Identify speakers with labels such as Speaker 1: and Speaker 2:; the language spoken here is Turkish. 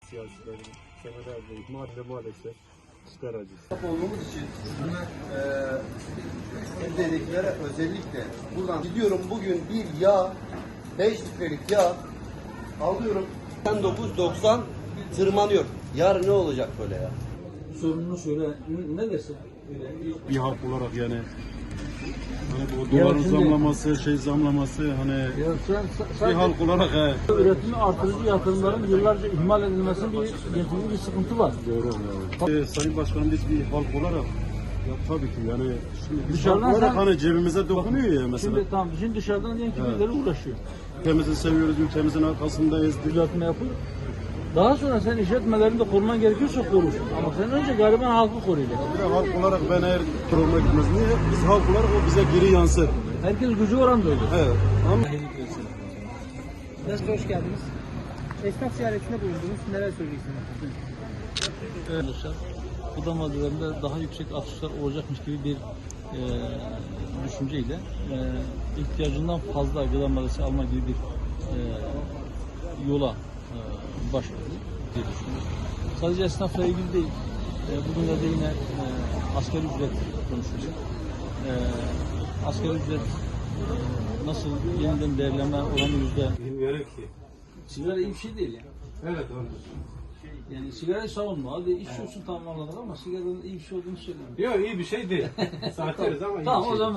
Speaker 1: Siyasilerin senelerdir maalesef çıkar acısı.
Speaker 2: Olduğumuz için evdekilere özellikle buradan gidiyorum bugün bir yağ 5 litrelik yağ alıyorum 9.90 tırmanıyor. Yarın ne olacak böyle ya?
Speaker 3: Sorununu söyle. Ne dersin?
Speaker 1: Bir halk olarak yani hani bu doların zamlaması, zamlaması hani bir halk olarak
Speaker 3: üretimi artırıcı yatırımların yıllarca ihmal edilmesinin getirdiği bir sıkıntı var.
Speaker 1: doğru. Sayın Başkanım biz bir halk olarak ya tabii ki yani şimdi biz
Speaker 3: Dışarıdan
Speaker 1: halk olarak
Speaker 3: sen-
Speaker 1: hani cebimize dokunuyor ya mesela.
Speaker 3: Şimdi dışarıdan diyelim ki birileri uğraşıyor.
Speaker 1: Ülkemizi seviyoruz, ülkemizin arkasındayız.
Speaker 3: Düzeltme yapıyor. Daha sonra sen işletmelerini de koruman gerekiyorsa korur. Ama sen önce gariban halkı koruyacaksın.
Speaker 1: Bir de halk olarak ben eğer kurulma gitmez. Niye? Biz halk olarak o bize geri yansır.
Speaker 3: Herkes gücü oranda öyle.
Speaker 1: Evet. Ama
Speaker 4: Nasıl hoş geldiniz? Esnaf ziyaretinde bulundunuz. Neler söyleyeceksiniz?
Speaker 3: Arkadaşlar, gıda maddelerinde daha yüksek artışlar olacakmış gibi bir düşünceyle ihtiyacından fazla gıda maddesi alma gibi bir yola başladı diye düşünüyorum. Sadece esnafla ilgili değil, bugünlerde yine asgari ücret konuşulacak. Asgari ücret nasıl yeniden değerlenme oranı
Speaker 1: bilmiyorum ki.
Speaker 3: sigara iyi bir şey değil yani.
Speaker 1: Evet doğru.
Speaker 3: Yani sigarayı savunma. Hadi içiyorsun tamam anladık ama sigaranın iyi bir şey olduğunu söylemiyorum.
Speaker 1: Yok iyi bir şey değil. Saçlarız ama
Speaker 3: Tamam o zaman